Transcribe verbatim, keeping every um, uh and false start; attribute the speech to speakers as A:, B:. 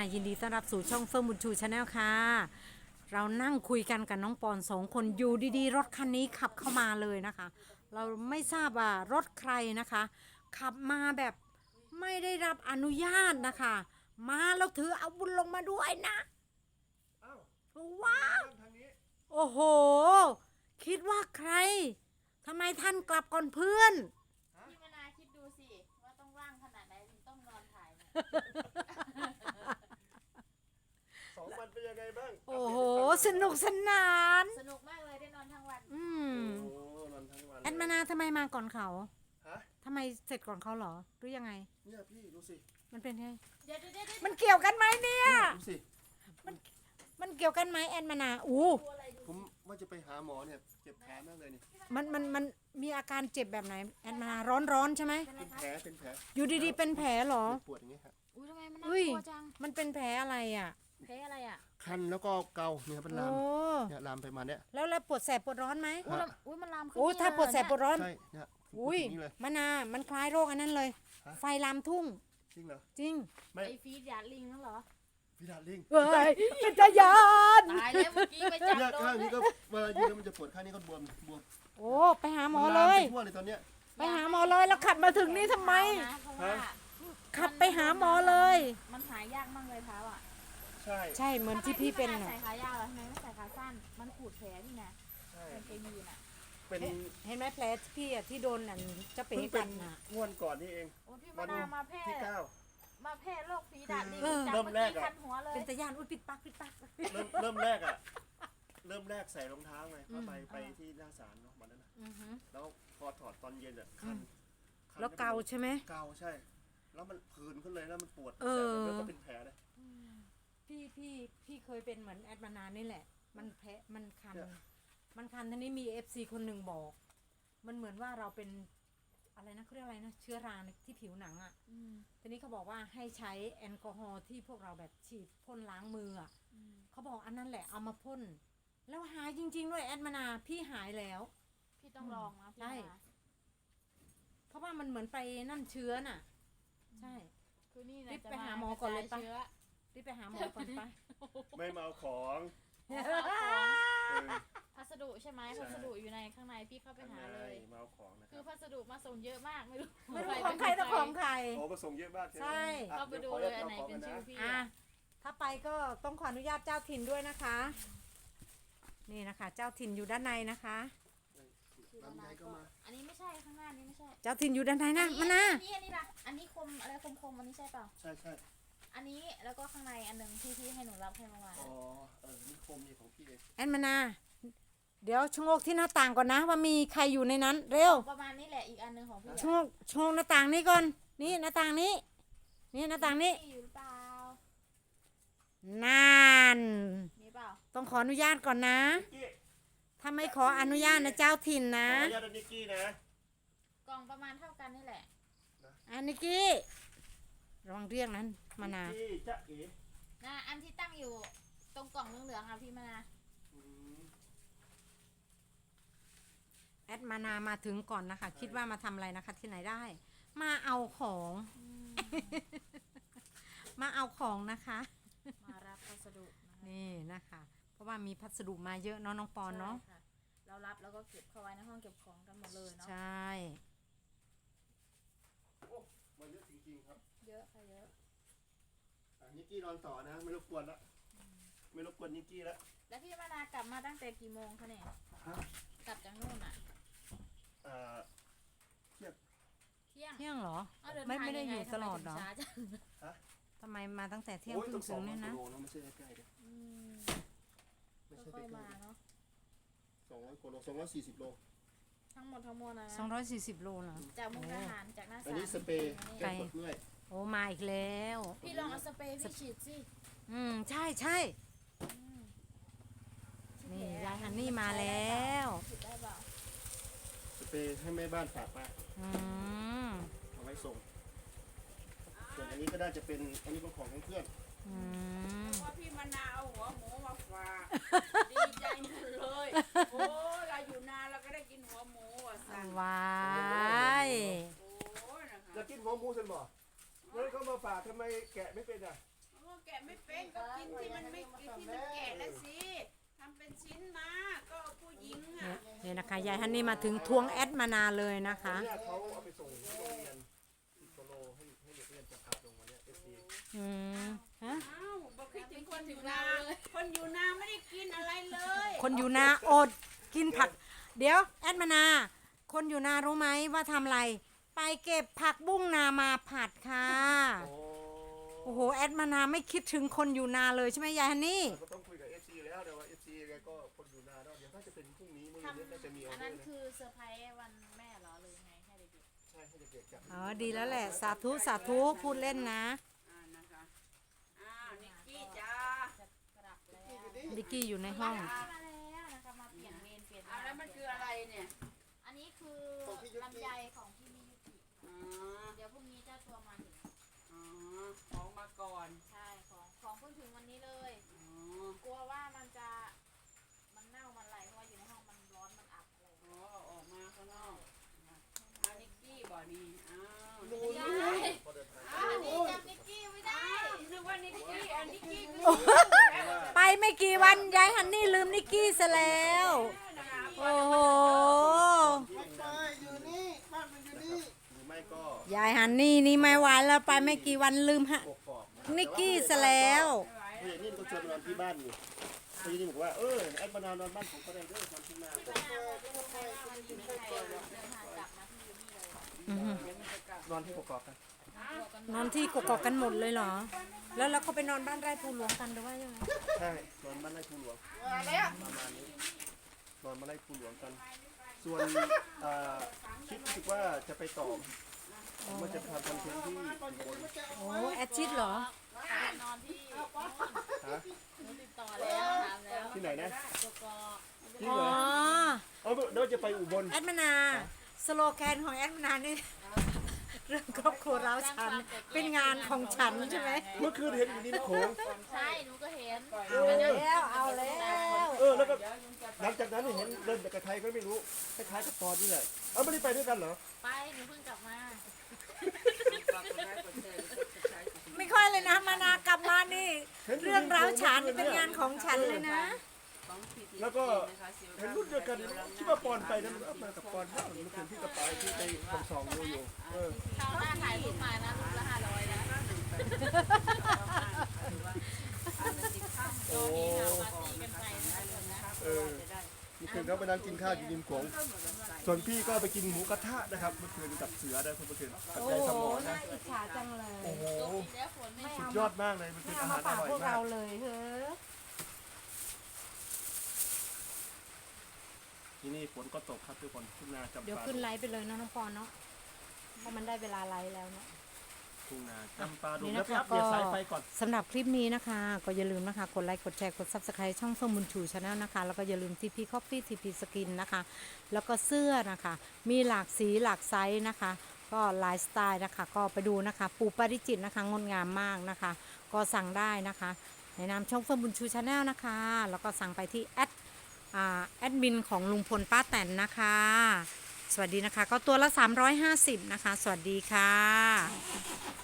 A: ยินดีต้อนรับสู่ช่องเฟิร์มบุญชูชาแนลค่ะเรานั่งคุยกันกับน้องปอนสองคนอยู่ดีๆรถคันนี้ขับเข้ามาเลยนะคะ เราไม่ทราบว่ารถใครนะคะ ขับมาแบบไม่ได้รับอนุญาตนะคะ มาเราถืออาวุธลงมาด้วยนะว้าวโอ้โหคิดว่าใครทำไมท่านกลับก่อนเพื่อน
B: พี่มนาคิดดูสิว่าต้องว่างขนาดไหนถึงต้องนอนถ่ายเนี่ย
C: สองวันเป็นยังไงบ้าง
A: โอ้โหสนุกสนาน
B: สนุกมากเลยได้นอนทั้งวัน
A: อืม
C: โอ้นอนทั้งวัน
A: แอดมานาทำไมมาก่อนเขา
C: ฮะ
A: ทำไมเสร็จก่อนเขาเหรอหรือยังไง
C: เนี่ยพี่ดูสิ
A: มันเป็นไง
B: เดี๋ยวเดี๋ยวเดี๋ยว
A: มันเกี่ยวกันไหมเนี่ย
C: ดูสิ
A: มันมันเกี่ยวกันไหมแอดมานาอู้
C: ผมว่าจะไปหาหมอเนี่ยเจ็บแผลมากเลยนี่
A: มันมันมันมีอาการเจ็บแบบไหนแอดมานาร้อนร้อนใช่ไหม
C: เป็นแผลเป็นแผล
A: อยู่ดีๆเป็นแผลเหรอ
C: ปวดอย่างเงี้ยฮะ
B: อุ้ยทำไมมันน่า
A: อุ้ย
B: กลัวจัง
A: มันเป็นแผลอะไรอ่ะ
B: แพ้อะไรอ่ะ
C: คันแล้วก็เกาเนี่ยเป็นลาม
A: โอ้
C: เนี่ยลามไปมาเนี่ย
A: แล้วแล้วปวดแสบปวดร้อนไหม
B: อุ้ยแล้วอุ้ยมันลามขึ้น
A: โอ้ถ้าปวดแสบปวดร้อน
C: ใช่เนี่ย
A: อุ้ย
C: นี่เลย
A: มานามันคล้ายโรคอันนั้นเลย
C: ฮะ
A: ไฟลามทุ่ง
C: จริงเหรอ
A: จริง
C: ไม่
B: ไอฟีดยาลิงนั่นเหรอ
C: พิดาลิง
A: เฮ้ยเป็นตายาน
B: ตายแล้วเมื่อกี้ไปจับ
C: เนี่ย
B: โด
C: ข้าง
B: น
C: นี้ก็เวลายืนแล้วมันจะปวดข้างนี้ก็บวมบวม
A: โอ้ไปหาหมอ
C: มัน
A: เล
C: ลาม
A: ย
C: ไปทั่วเลยตอนเนี้ย
A: ไปหาหมอเลยแล้วขับมาถึงนี่ทำไม
B: นะเพราะว่า
A: ขับไปหาหมอเลย
B: มันหายยากมากเลยเท้าอ่ะ
C: ใช่
A: ใช่เหมือนที่พี่เป็น
B: ทำไม
A: น่ะ
B: ใส่ขายาวแล้วทำไมไม่ใส่ขาสั้นมันขูดแผลนี่นะ
C: ใช่
B: เป็นไปยืนอ่ะ
C: เป็น
A: เห็นไหมแผลพี่อะที่โดนนั่นเจะเป๋
C: เพิ่งเป็
A: กัน นน่ะ
C: งวดก่อนนี่เอง
B: โอ้พี่
C: วั
B: มาน นามาแพร่
C: ที่เก้า
B: มาแพร่โรคฝีดาดลิง
A: เออ
B: จับ
C: เริ่ม
B: เมื่อ
C: แรก
B: กี้
C: อะ
B: คันหัวเลย
A: เป็นตะยานอุ้ยปิดปักปิดปัก
C: เริ่มเริ่มแรกอ่ะ เริ่มแรกใส่รองเท้าไงเข้าไปไปที่หน้าศาลเนาะวันนั้นนะ
A: อือฮึ
C: แล้วพอถอดตอนเย็นอ่ะคันคัน
A: แล้วเกาใช่ไหม
C: เกาใช่ แล้วมันผื่นขึ้นเลยแล้วมันปวด
A: เออ
C: แล้วก็เป็นแผลเลย
A: พี่พี่พี่เคยเป็นเหมือนแอดมานานนี่แหละ มันแผลมันคัน
C: เนี่ย
A: มันคันทีนี้มีเอฟซีคนหนึ่งบอก มันเหมือนว่าเราเป็นอะไรนะเขาเรียกอะไรนะเชื้อราในที่ผิวหนังอ่ะ
B: อืม
A: ทีนี้เขาบอกว่าให้ใช้แอลกอฮอล์ที่พวกเราแบบฉีดพ่นล้างมืออ่ะ
B: อืม
A: เขาบอกอันนั้นแหละเอามาพ่นแล้วหายจริงๆด้วยแอดมานาพี่หายแล้ว
B: พี่ต้องลองนะพี่
A: ใช่
B: มนา
A: เพราะว่ามันเหมือนไปนั่นเชื้อน่ะ ใช่
B: คือนี่นะ
A: รีบ
B: จะ
A: ไปหาหมอก่อนเลยปะ
B: ระจาชื้อ
A: รีบไปหาหมอก่อนไป
C: ไม่มาเอาของ
B: อ๋อเอาของ
C: เออ
B: พัสดุใช่ไหม
C: ใช่
B: พัสดุอยู่ในข้างในพี่เข้าไปหาเลย
C: มาเอาของนะค
B: คื
C: รั
B: อบ พัสดุมาส่งเยอะมากไม่รู้
A: ไม่รู้ของใครแต่ของใคร
C: โอ้มาส่งเยอะมากใช่ไหม
A: ใช่
C: อ่ะ
B: เข้าไปดู
C: ดี๋
B: เลย
C: ว
B: อัน
C: ข
B: ไหน
C: ขง
B: เป็น
C: ก่
B: ชื่อ
C: นะ
B: พี่
A: อ่ะ
B: อะ
A: ถ้าไปก็ต้องขออนุญาตเจ้าถิ่นด้วยนะคะ นี่นะคะ เจ้าถิ่นอยู่ด้านในนะคะ
C: ลำไยก็มา
B: อันนี้ไม่ใช่ข้างหน้านี้ไม่ใช่
A: เจ้าถิ่นอยู่ด้านในนะมานะ
B: อันนี้อันนี้ล่ะอันนี้คมอะไรคมคมๆอันนี้ใช่เปล่า
C: ใช่ใช่
B: อันนี้แล้วก็ข้างในอันหนึ่งที่พี่ให้หนูรับให้เมื่อวาน
C: อ๋อเออนี่โคมนี่ของพี่เอง
A: แอนมานา เดี๋ยวชะโงกที่หน้าต่างก่อนนะ ว่ามีใครอยู่ในนั้น เร็ว
B: ประมาณนี้แหละอีกอันหนึ่งของพี่
A: ชะโงกชะโงกหน้าต่างนี้ก่อน นี่หน้าต่างนี้ นี่หน้าต่างนี้
B: มีอยู่หรือเปล่าน
A: าน
B: มีเปล่า
A: ต้องขออนุญาตก่อนนะ
C: นิกกี้
A: ถ้าไม่ขออนุญาตนะเจ้าถิ่น
C: ขอ
A: นะ
C: อนุญาตนิกกี้นะ
B: กล่องประมาณเท่ากันนี่แหละ
A: อันนิกกี้ระวังเรียกนั้นมานา
C: นิกกี้จ๊ะเอ๋
B: นะอันที่ตั้งอยู่ตรงกล่องเหลืองๆอ่ะพี่มานา
C: อืม
A: แอดมานามาถึงก่อนนะคะ คิดว่ามาทำอะไรนะคะที่ไหนได้ มาเอาของ มาเอาของนะคะ
B: มารับพัสดุนะคะ
A: นี่นะคะ เพราะว่ามีพัสดุมาเยอะเนาะน้องปอนเนาะ
B: ใช่ค่เรารับแล้วก็เก็บเข้าไว้ในห้องเก็บของกันหมดเลยเนาะ
A: ใช่
C: โอ้มันเยอะจริงๆครับ
B: เยอะค่ะเยอะ
C: อ่ะนิกกี้นอนต่อนะไม่รบกวนละไม่รบกวนนิกกี้ละ
B: แล้วพี่มานากลับมาตั้งแต่กี่โมงคะเนี่ย
C: ฮะ
B: กลับจากนู่นอ่ะ
C: อ่าเทียบ
B: เที่ยง
A: เที่ยงเหรอ
B: อ้าวเดิน
A: ไม่
B: ทาง
A: ไม่ได้
B: ง
A: อ
B: ง
A: ยู่ตลอดเหรอ
B: ทำไมถึงช้าจัง
C: ฮะ
A: ทำไมมาตั้งแต่เที่ยง
C: โอ้ย
A: ครึ่
C: ต้อง งส
A: ถึ
C: อง
A: งเนี่ย
C: กิ
A: นะ
C: โลนะไม่ใช่ใกล้ๆเลย
B: อืม
C: ไม่ใช่
B: ค่อย
C: ใก
B: ๆ
C: ล้
B: มาเนาะ
C: ๆสองร้อยกว่าโลสองร้อยสี่สิบโล
B: ทั้งหมดทั้งมวลนะ
A: สองร้อยสี่สิบโลเหรอ
B: จากมุกดาหารจากหน้า
C: อั
B: ศาน ล
C: นี้สเปรย์
A: ไกล
C: แก้ปวดเมื่อย
A: โอ้มาอีกแล้ว
B: พี่ลองเอาสเปรย์พี่ฉีดสิ
A: อืมใช่ใช่
B: อืม
A: นี่ยายฮันนี่มาแล้ว
B: ฉีดได้เปล่า
C: สเปรย์ให้แม่บ้านฝากมา
A: อืม
C: เอาไว้ส่งส่วนอันนี้ก็น่าจะเป็นอันนี้เป็นของเพื่อน
A: อืม
D: ว่าพี่มะนาวเอาหัวหมูมาฝากดีใจหมดเลย โอ้เราอยู่นานเราก็ได้กินหัวหมูอ่ะสั่ง
A: วาย
D: โอ้นะ
C: อยา
D: คะ
C: กกินหัวหมูสันบ่แล้วเขามาฝากทำไมแกะไม่เป็นอ่ะ
D: โอ้ก็แกะไม่เป็นก็กินที่มันไม่กินที่มันแกะแล้วสิทำเป็นชิ้นมาก็ผู้หญิงอ่ะ
A: เนี่ยนะคะยายฮันนี่มาถึงทวงแอดมานาเลยนะคะ
C: เนี่ยเขาเอาไปส่งที่โรงเรียนสิบกิโลให้ให้เด็กเรียนจากขาดลงวันเนี้ยเอฟซี
A: อืมฮะ
D: อ้าวบอกคิดถึงคนอยู่นาคนอยู่นาไม่ได้กินอะไรเลย
A: คนอยู่นาอดกินผัก เดี๋ยวแอดมานา คนอยู่นารู้ไหมว่าทำอะไร ไปเก็บผักบุ้งนามาผัดค่ะ
C: โอ้
A: โอ้โหแอดมานาไม่คิดถึงคนอยู่นาเลยใช่ไหมยายฮันนี่
C: ก็ต้องคุยกับเอฟซีแล้วแต่ว่าเอฟซีแกก็คนอยู่นานแล้วเดี๋ยวถ้าจะเป็นพรุ่งนี้มื้อ
B: ทำ
C: นี้น่าจะมีออ
B: อัน
C: เดอ
B: นั้น
C: ร์นะ
B: คือเซอร์ไพรส์วันแม่เหรอหรือไงให้เด็ก
C: ใช่ให้เด็กๆจับ
A: อ๋อดีแล้วแหละ สาธุสาธุพูดเล่นนะ
D: อ่านะคะอ้าวนิกกี้จ้า
B: ๆจะกลับแล้ว
A: ดิกกี้อยู่ในห้อง
B: มาแล้วนะคะมาเปลี่ยนเวรเปลี่ยน
D: เอาแล้วมันคืออะไรเนี่ย
B: อันนี้คือลำไยของพี่มิยุกิ
D: อ๋อ
B: เดี๋ยวพรุ่งนี้เจ้าตัวมาถึง
D: อ๋อของมาก่อน
B: ใช่ของของเพิ่งถึงวันนี้เลย
D: อ๋อก
B: ลัวว่ามันจะมันเน่ามันไหลเพราะว่าอยู่ในห้องมันร้อนมันอับอะไรอย่าง
D: อ๋
B: เงี้ย
D: อออกมาข้างนอกอานิกกี้บ่อนี่อ้าว
B: ไม่ได้
C: พอเดินทาง
B: อันนี้จำนิกกี้ไม่ได้
D: นึกว่านิกกี้อันนิกกี้คือ
A: ไปไม่กี่วันยายฮันนี่ลืมนิกกี้ซะแล้ว
D: นะคะ
A: โอ้โห
C: หรือไม่ก็
A: ยายฮันนี่นี่ไม่ไหวแล้วไปไม่กี่วันลืมฮะ
C: กกอกนะครับ
A: นิกกี้ซะแล้ว
C: ผู้ใหญ่นิ่มก็ชวนนอนที่บ้านอยู่ผู้ใหญ่นิ่มบอกว่าเออแอดมานานอนบ้านผมก็ได้เด้อทำที่นา
B: ไม่น่าบอกเลยว่าวันนี้มีใครเดินทางกลับมาที่ยูนี่เลย
A: อือฮึ
C: นอนที่กกอกกัน
A: นอนที่กกอกกันหมดเลยเหรอ แล้วแล้วเขาไปนอนบ้านไร่ภูหลวงกันหรือว่ายังไง
C: ใช่นอนบ้านไร่ภูหลวงประมาณนี้นอนมาไร่ภูหลวงกัน ส่วนเอ่อคิดรู้สึกว่าจะไปต่อผมว่าจะทำคอนเทนต์ที่อุบล
A: โอ้แอดชิดเหรอ
B: นอนที่
C: ฮะ
B: หนูติดต่อแล้วถามแล้ว
C: ที่ไหนนะ
B: ตัวกอ
C: จริง
A: อ๋
C: เหร
A: อ
C: อเอาเดี๋ยวจะไปอุบล
A: แอดมนา สโลแกนของแอดมนานี่ เรื่องครอบครัวเราฉัน เป็นงานของฉันใช่ไหม
C: เมื่อคืนเห็นอยู่ริมโขง
B: ใช่หนูก็เห็น
A: เอาแล้วเอาแล้ว
C: เออแล้วก็หลังจากนั้นเห็นเดินไปกับใครก็ไม่รู้คล้ายๆกับปอนนี่แหละเออไม่ได้ไปด้วยกันเหรอ
B: ไปหนูเพิ่งกลับมา
A: ไม่ค่อยเลยนะมานากลับมานี่ เรื่องราวฉันนี่เป็นงานของฉันเลยนะ
C: แล้วก็เห็นรุ่นเดียวกันคิดว่าปอนไปนะมันเอามากับปอนบ้างมันเห็นที่กระเป๋าที่ไปคำสองโลอยู่เออ
B: คราวหน้าถ่ายรูปมานะรูปละห้าร้อยนะ
C: โอ้
B: ปาร์ตี้กันไปนะทุกคนนะ
C: เออเมื่อคืนเขาไปนั่งกินข้าวอยู่ริมโขงส่วนพี่ก็ไปกินหมูกระทะนะครับเมื่อคืนกับเสือได้คุณเมื่อคืนกับ
A: โอ้
C: ใจส
A: โห
C: มอนะ
A: น่าอิจฉาจังเลย
C: โอ้โห
B: ตกอีกแล้วฝนไม่
C: สุดยอดมากเลยเมื่อคื
A: ไม่
C: น
A: เอา
C: อาหา
A: มาร
C: อ
A: ฝาก
C: ร่อย
A: พวก
C: มา
A: เรา
C: ก
A: เลยเฮ้อ
C: ที่นี่ฝนก็ตกครับทุกคนทุ่งนาจำ
A: เดี๋ยว
C: ปา
A: ขึ้นไลฟ์ไปเลยเนาะน้องปอนเนาะเพราะมันได้เวลาไลฟ์แล้วเนาะ
C: ทุ่งนาจำปาดู
A: นี่
C: แล้ว
A: นะ
C: ไป
A: คะ
C: อัปเด
A: ก็
C: ตสายไฟก่อน
A: สำหรับคลิปนี้นะคะ ก็อย่าลืมนะคะ กดไลค์ กดแชร์ กด ซับสไครต์ ช่องเฟิร์มบุญชูชาแนลนะคะ แล้วก็อย่าลืม ที พี Coffee ที พี Skin นะคะ แล้วก็เสื้อนะคะ มีหลากสีหลากไซส์นะคะ ก็หลายสไตล์นะคะ ก็ไปดูนะคะ ปูปาริจิตนะคะ งดงามมากนะคะ ก็สั่งได้นะคะ ในนามช่องเฟิร์มบุญชูชาแนลนะคะ แล้วก็สั่งไปที่แอดอ่าแอดมินของลุงพลป้าแตนนะคะ สวัสดีนะคะ ก็ตัวละสามร้อยห้าสิบนะคะ สวัสดีค่ะ